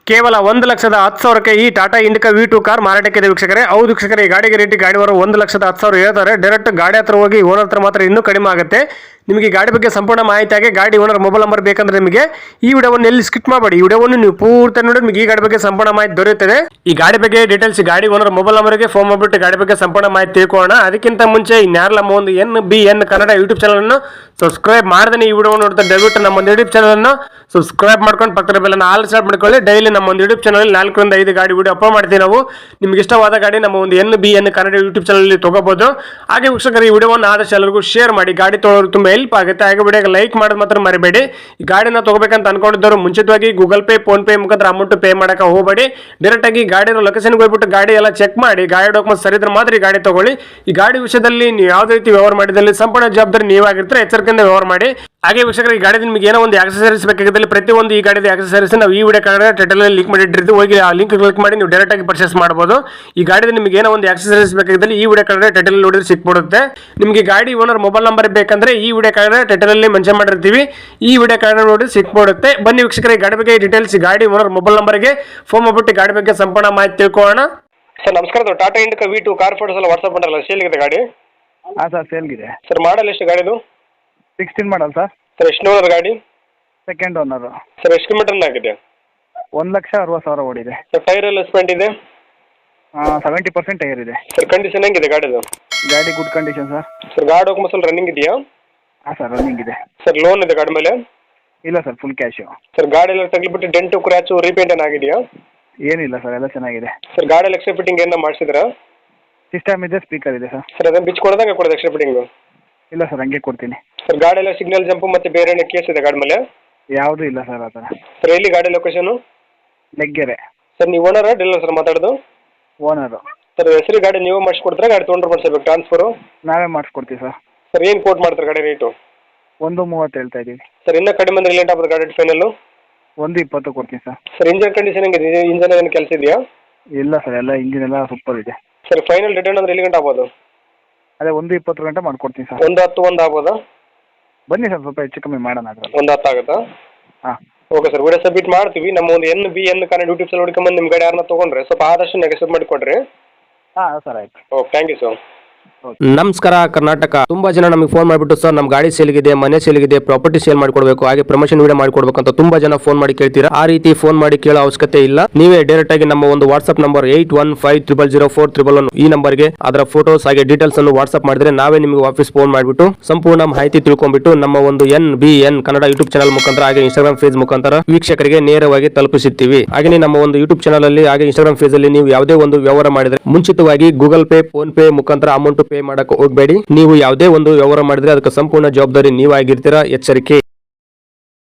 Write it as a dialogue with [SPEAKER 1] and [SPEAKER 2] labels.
[SPEAKER 1] ಕೇವಲ 1,10,000ಕ್ಕೆ ಈ Tata Indica V2 car ಮಾರಾಟಕ್ಕಿದೆ ವೀಕ್ಷಕರೇ. ಹೌದು ವೀಕ್ಷಕರೇ, ಈ ಗಾಡಿಗೆ ರೇಟ್ ಗಾಡಿವರು 1,10,10,000 ಹೇಳ್ತಾರೆ. ಡೈರೆಕ್ಟ್ ಗಾಡಿ ಹತ್ರ ಹೋಗಿ ಓನರ್ ಹತ್ರ ಮಾತ್ರ ಇನ್ನೂ ಕಡಿಮೆ ಆಗುತ್ತೆ. ನಿಮಗೆ ಗಾಡಿ ಬಗ್ಗೆ ಸಂಪೂರ್ಣ ಮಾಹಿತಿ ಆಗಿ ಗಾಡಿ ಓನರ್ ಮೊಬೈಲ್ ನಂಬರ್ ಬೇಕಂದ್ರೆ ನಿಮಗೆ ಈ ವಿಡಿಯೋವನ್ನು ಎಲ್ಲಿ ಸ್ಕಿಪ್ ಮಾಡಬೇಡಿ. ಈ ವಿಡಿಯೋವನ್ನು ನೀವು ಪೂರ್ತಿ ನೋಡಿ ನಿಮಗೆ ಈ ಗಾಡಿ ಬಗ್ಗೆ ಸಂಪೂರ್ಣ ಮಾಹಿತಿ ದೊರೆಯುತ್ತದೆ. ಈ ಗಾಡಿ ಬಗ್ಗೆ ಡೀಟೇಲ್ಸ್ ಗಾಡಿ ಓನರ್ ಮೊಬೈಲ್ ನಂಬರ್ಗೆ ಫೋನ್ ಮಾಡಿಬಿಟ್ಟು ಗಾಡಿ ಬಗ್ಗೆ ಸಂಪೂರ್ಣ ಮಾಹಿತಿ ತಿಳ್ಕೊಳ್ಳೋಣ. ಅದಕ್ಕಿಂತ ಮುಂಚೆ ಇನ್ಯಾರಲ್ಲ ನಮ್ಮ ಒಂದು NBN ಕನ್ನಡ ಯೂಟ್ಯೂಬ್ ಚಾನಲ್ ಅನ್ನು ಸಬ್ಸ್ಕ್ರೈಬ್ ಮಾಡದೇ ಈ ವಿಡಿಯೋ ನೋಡ್ತಾ ದಯವಿಟ್ಟು ನಮ್ಮ ಒಂದು ಯೂಟ್ಯೂಬ್ ಚಾನಲ್ ಅನ್ನು ಸಬ್ಸ್ಕ್ರೈಬ್ ಮಾಡ್ಕೊಂಡು ಪಕ್ಕದ ಬೆಲ್ಲನ್ನು ಆಲ್ ಸ್ಟಾರ್ಟ್ ಮಾಡ್ಕೊಳ್ಳಿ. ಡೈಲಿ ನಮ್ಮ ಒಂದು ಯೂಟ್ಯೂಬ್ ಚಾನಲ್ 4 ರಿಂದ 5 ಗಾಡಿ ವಿಡಿಯೋ ಅಪ್ಲೋಡ್ ಮಾಡ್ತೀವಿ ನಾವು. ನಿಮ್ಗೆ ಇಷ್ಟವಾದ ಗಾಡಿ ನಮ್ಮ ಒಂದು NBN ಕನ್ನಡ ಯೂಟ್ಯೂಬ್ ಚಾನಲ್ ತಗೋಬಹುದು. ಹಾಗೆ ವೀಕ್ಷಕರು, ಈ ವಿಡಿಯೋವನ್ನು ಆದಷ್ಟು ಎಲ್ಲರಿಗೂ ಶೇರ್ ಮಾಡಿ. ಗಾಡಿ ತೊಗೊಳ್ಳೋರು ತುಂಬಾ ಹೆಲ್ಪ್ ಆಗುತ್ತೆ. ಹಾಗೆ ವಿಡಿಯೋಗೆ ಲೈಕ್ ಮಾಡೋದು ಮಾತ್ರ ಮರಿಬೇಡಿ. ಈ ಗಾಡಿನ ತಗೋಬೇಕಂತ ಅನ್ಕೊಂಡಿದ್ದವರು ಮುಂಚಿತವಾಗಿ ಗೂಗಲ್ ಪೇ, ಫೋನ್ ಪೇ ಮುಖಾಂತರ ಅಮೌಂಟ್ ಪೇ ಮಾಡಕ್ಕೆ ಹೋಗಬೇಡಿ. ಡೈರೆಕ್ಟ್ ಆಗಿ ಗಾಡಿ ಲೊಕೇಶನ್ಗೆ ಹೋಗ್ಬಿಟ್ಟು ಗಾಡಿ ಎಲ್ಲ ಚೆಕ್ ಮಾಡಿ, ಗಾಡಿ ಡಾಕ್ಯುಮೆಂಟ್ಸ್ ಸರಿ ಇದ್ರೆ ಮಾತ್ರ ಈ ಗಾಡಿ ತಗೊಳ್ಳಿ. ಈ ಗಾಡಿ ವಿಷಯದಲ್ಲಿ ನೀವು ಯಾವುದೇ ರೀತಿ ವ್ಯವಹಾರ ಮಾಡಿದಲ್ಲಿ ಸಂಪೂರ್ಣ ಜವಾಬ್ದಾರಿ ನೀವಾಗಿರ್ತಾರೆ. ಎಚ್ಚರಿಕೆಯಿಂದ ವ್ಯವಹಾರ ಮಾಡಿ. ಹಾಗೆ ವೀಕ್ಷಕರು, ಈ ಗಾಡಿ ನಿಮಗೆ ಏನೋ ಒಂದು ಆಕ್ಸೆಸರೀಸ್ ಬೇಕಾಗಿದ್ದಲ್ಲಿ ಪ್ರತಿಯೊಂದು ಈ ಗಾಡಿದ ಆಕ್ಸೆಸರೀಸ್ ನಾವು ಈ ವಿಡಿಯೋ ಕಾರ್ಡ್ ಟೈಟಲ್ ಲಿಂಕ್ ಮಾಡಿಟ್ಟಿರ್ತೀವಿ. ಹೋಗಿ ಆ ಲಿಂಕ್ ಕ್ಲಿಕ್ ಮಾಡಿ ನೀವು ಡೈರೆಕ್ಟ್ ಆಗಿ ಪರ್ಚೇಸ್ ಮಾಡಬಹುದು. ಈ ಗಾಡಿದ ನಿಮಗೆ ಏನೋ ಒಂದು ಆಕ್ಸೆಸರೀಸ್ ಬೇಕಾಗಿದ್ದಲ್ಲಿ ಈ ವಿಡಿಯೋ ಕಾರ್ಡ್ ಟೈಟಲ್ ನೋಡಿದ್ರೆ ಸಿಕ್ಬಿಡುತ್ತೆ. ನಿಮಗೆ ಗಾಡಿ ಓನರ್ ಮೊಬೈಲ್ ನಂಬರ್ ಬೇಕಂದ್ರೆ ಈ ವಿಡಿಯೋ ಕಾರ್ಡ್ ಟೈಟಲ್ ಅಲ್ಲಿ ಮೆನ್ಷನ್ ಮಾಡಿರ್ತೀವಿ. ಈ ವಿಡಿಯೋ ಕಾರ್ಡ್ ನೋಡಿ ಸಿಕ್ಬಿಡುತ್ತೆ. ಬನ್ನಿ ವೀಕ್ಷಕರ, ಈ ಗಾಡಿ ಬಗ್ಗೆ ಡೀಟೇಲ್ಸ್ ಗಾಡಿ ಓನರ್ ಮೊಬೈಲ್ ನಂಬರ್ಗೆ ಫೋನ್ ಮಾಡ್ಬಿಟ್ಟು ಗಾಡಿ ಬಗ್ಗೆ ಸಂಪೂರ್ಣ ಮಾಹಿತಿ ತಿಳ್ಕೊಳ್ಳೋಣ. ಸರ್ ನಮಸ್ಕಾರ. Tata Indica V2 car photos ಎಲ್ಲ ವಾಟ್ಸ್ಆಪ್ ಮಾಡಲ್ಲ, ಸೇಲ್ ಇದೆ ಗಾಡಿ?
[SPEAKER 2] ಹಾಂ ಸರ್, ಸೇಲ್ಗಿದೆ.
[SPEAKER 1] ಸರ್ ಮಾಡಲ್ ಎಷ್ಟು ಗಾಡಿದು?
[SPEAKER 2] 16 ಮಾಡಲ್ ಸರ್.
[SPEAKER 1] ಸರ್ ಎಷ್ಟು ಓನರ್ ಗಾಡಿ?
[SPEAKER 2] Second owner.
[SPEAKER 1] ಸರ್ ಎಷ್ಟು ಕಿಲೋಮೀಟರ್ ಆಗಿದೆ?
[SPEAKER 2] 1,60,000 ಓಡಿದೆ.
[SPEAKER 1] ಸರ್ ಟೈರ್ ಎಲ್ಲ ಸ್ಪೆಂಟ್ ಇದೆ?
[SPEAKER 2] 70% ಟೈರ್ ಇದೆ.
[SPEAKER 1] ಸರ್ ಕಂಡೀಷನ್ ಹೆಂಗಿದೆ ಗಾಡಿದು?
[SPEAKER 2] ಗಾಡಿ ಗುಡ್ ಕಂಡೀಷನ್ ಸರ್.
[SPEAKER 1] ಸರ್ ಗಾಡಿ ಡಾಕ್ಯುಮೆಂಟ್ಸ್ ರನ್ನಿಂಗ್ ಇದೆಯಾ?
[SPEAKER 2] ಹಾಂ ಸರ್, ರನ್ನಿಂಗ್ ಇದೆ.
[SPEAKER 1] ಸರ್ ಲೋನ್ ಇದೆ ಗಾಡಿ ಮೇಲೆ?
[SPEAKER 2] ಇಲ್ಲ ಸರ್, ಫುಲ್ ಕ್ಯಾಶು.
[SPEAKER 1] ಸರ್ ಗಾಡಿ ಎಲ್ಲ ತಗ್ಲಿಬಿಟ್ಟು ಡೆಂಟು ಕ್ರ್ಯಾಚು ರೀಪೇಂಟ್ ಏನಾಗಿದೆಯಾ?
[SPEAKER 2] ಏನಿಲ್ಲ ಸರ್, ಎಲ್ಲ ಚೆನ್ನಾಗಿದೆ.
[SPEAKER 1] ಸರ್ ಗಾಡಿ ಎಲ್ಲ ಎಕ್ಸ್ಟ್ರಾ ಫಿಟ್ಟಿಂಗ್ ಏನೋ ಮಾಡಿಸಿದ್ರಾ?
[SPEAKER 2] ಸಿಸ್ಟಮ್ ಇದೆ, ಸ್ಪೀಕರ್ ಇದೆ ಸರ್.
[SPEAKER 1] ಸರ್ ಅದನ್ನು ಬಿಚ್ಚು ಕೊಡೋದಂಗೆ ಕೊಡೋದು ಎಕ್ಸ್ಟ್ರಾ ಫಿಟ್ಟಿಂಗು?
[SPEAKER 2] ಇಲ್ಲ ಸರ್, ಹಂಗೆ ಕೊಡ್ತೀನಿ.
[SPEAKER 1] ಸರ್ ಗಾಡಿ ಎಲ್ಲ ಸಿಗ್ನಲ್ ಜಂಪು ಮತ್ತು ಬೇರೆ ಏನೋ ಕೇಸ್ ಇದೆ ಗಾಡಿ ಮೇಲೆ?
[SPEAKER 2] ಯಾವುದೂ ಇಲ್ಲ ಸರ್ ಆ ಥರ.
[SPEAKER 1] ಸರ್ ಎಲ್ಲಿ ಗಾಡಿ ಲೊಕೇಶನು?
[SPEAKER 2] ಲೆಗ್ಗೆರೆ.
[SPEAKER 1] ಸರ್ ನೀವು ಓನರಾ ಡೀಲರ್ ಸರ್ ಮಾತಾಡೋದು?
[SPEAKER 2] ಓನರು.
[SPEAKER 1] ಸರ್ ಹೆಸರು ಗಾಡಿ ನೀವು ಮಾಡಿಸ್ಕೊಡ್ತಾರೆ, ಗಾಡಿ ತೊಗೊಂಡ್ರೆ ಮಾಡಿಸ್ಬೇಕು ಟ್ರಾನ್ಸ್ಫರು?
[SPEAKER 2] ನಾವೇ ಮಾಡಿಸ್ಕೊಡ್ತೀವಿ ಸರ್.
[SPEAKER 1] ಸರ್ ಏನು ಕೋಟ್ ಮಾಡ್ತಾರೆ ಗಾಡಿ ರೇಟು?
[SPEAKER 2] 1,30 ಹೇಳ್ತಾ ಇದ್ದೀವಿ.
[SPEAKER 1] ಸರ್ ಇನ್ನೂ ಕಡಿಮೆ ಅಂದರೆ ಲೇಟ್ ಆಗ್ಬೋದು ಗಾಡಿ ಫೈನಲ್ಲು?
[SPEAKER 2] 1,20 ಕೊಡ್ತೀನಿ ಸರ್.
[SPEAKER 1] ಸರ್ ಇಂಜನ್ ಕಂಡೀಷನ್ ಹೆಂಗಿದೆ? ಇಂಜನ್ ಏನು ಕೆಲಸ ಇದೆಯಾ?
[SPEAKER 2] ಇಲ್ಲ ಸರ್, ಎಲ್ಲ ಇಂಜಿನ್ ಎಲ್ಲ ಸೂಪರ್ ಇದೆ.
[SPEAKER 1] ಸರ್ ಫೈನಲ್ ರಿಟರ್ನ್ ಅಂದರೆ ಎಲ್ಲಿ ಗಂಟೆ ಆಗ್ಬೋದು?
[SPEAKER 2] ಅದೇ 1,20 ಗಂಟೆ ಮಾಡ್ಕೊಡ್ತೀನಿ ಸರ್.
[SPEAKER 1] 1,10 1 ಆಗ್ಬೋದಾ?
[SPEAKER 2] ಬನ್ನಿ ಸರ್, ಸ್ವಲ್ಪ ಹೆಚ್ಚು ಕಮ್ಮಿ ಮಾಡೋಣ ಅದರಲ್ಲಿ.
[SPEAKER 1] 1,10 ಆಗುತ್ತಾ?
[SPEAKER 2] ಹಾಂ,
[SPEAKER 1] ಓಕೆ ಸರ್, ವಿಡಿಯೋ ಸಬ್ಮಿಟ್ ಮಾಡ್ತೀವಿ. ನಮ್ಮ ಒಂದು NBN ಕನ್ನಡ ಯೂಟ್ಯೂಬ್ ಚಾನಲ್ ಹುಡ್ಕೊಂಬಂದು ನಿಮ್ಮ ಗಾಡಿ ಯಾರನ್ನ ತೊಗೊಂಡ್ರೆ ಸ್ವಲ್ಪ ಆದಷ್ಟು ನೆಗೆಸಿಟ್ ಮಾಡಿ ಕೊಡ್ರಿ.
[SPEAKER 2] ಹಾಂ ಸರ್, ಆಯ್ತು.
[SPEAKER 1] Okay, thank you sir.
[SPEAKER 3] ನಮಸ್ಕಾರ ಕರ್ನಾಟಕ. ತುಂಬಾ ಜನ ನಮಗೆ ಫೋನ್ ಮಾಡಿಬಿಟ್ಟು ಸರ್ ನಮ್ಮ ಗಾಡಿ ಸೇಲ್ಗಿದೆ, ಮನೆ ಸೇಲ್ಗಿದೆ, ಪ್ರಾಪರ್ಟಿ ಸೇಲ್ ಮಾಡಿಕೊಡ್ಬೇಕು, ಹಾಗೆ ಪ್ರಮೋಷನ್ ವಿಡಿಯೋ ಮಾಡಿಕೊಡ್ಬೇಕು ಅಂತ ತುಂಬಾ ಜನ ಫೋನ್ ಮಾಡಿ ಕೇಳ್ತೀರಾ. ಆ ರೀತಿ ಫೋನ್ ಮಾಡಿ ಕೇಳೋ ಅವಶ್ಯಕತೆ ಇಲ್ಲ. ನೀವೇ ಡೈರೆಕ್ಟ್ ಆಗಿ ನಮ್ಮ ಒಂದು ವಾಟ್ಸ್ಆಪ್ ನಂಬರ್ 81500411 ಈ ನಂಬರ್ಗೆ ಅದರ ಫೋಟೋಸ್ ಹಾಗೆ ಡೀಟೇಲ್ಸ್ ಅನ್ನು ವಾಟ್ಸ್ಆಪ್ ಮಾಡಿದ್ರೆ ನಾವೇ ನಿಮಗೆ ವಾಪಸ್ ಫೋನ್ ಮಾಡಿಬಿಟ್ಟು ಸಂಪೂರ್ಣ ಮಾಹಿತಿ ತಿಳ್ಕೊಂಡ್ಬಿಟ್ಟು ನಮ್ಮ ಒಂದು NBN ಕನ್ನಡ ಯೂಟ್ಯೂಬ್ ಚಾನಲ್ ಮುಖಾಂತರ ಹಾಗೆ ಇನ್ಸ್ಟಾಗ್ರಾಮ್ ಪೇಜ್ ಮುಖಾಂತರ ವೀಕ್ಷಕರಿಗೆ ನೇರವಾಗಿ ತಲುಪಿಸುತ್ತೀವಿ. ಹಾಗೆ ನಮ್ಮ ಒಂದು ಯೂಟ್ಯೂಬ್ ಚಾನಲ್ ಅಲ್ಲಿ ಹಾಗೆ ಇನ್ಸ್ಟಾಗ್ರಾಮ್ ಪೇಜ್ ಅಲ್ಲಿ ನೀವು ಯಾವುದೇ ಒಂದು ವ್ಯವಹಾರ ಮಾಡಿದ್ರೆ ಮುಂಚಿತವಾಗಿ ಗೂಗಲ್ ಪೇ, ಫೋನ್ ಪೇ ಮುಖಾಂತರ ಅಮೌಂಟ್ ಪೇ ಮಾಡಕ್ಕೆ ಹೋಗಬೇಡಿ. ನೀವು ಯಾವುದೇ ಒಂದು ವ್ಯವಹಾರ ಮಾಡಿದ್ರೆ ಅದಕ್ಕೆ ಸಂಪೂರ್ಣ ಜವಾಬ್ದಾರಿ ನೀವಾಗಿರ್ತೀರಾ. ಎಚ್ಚರಿಕೆ.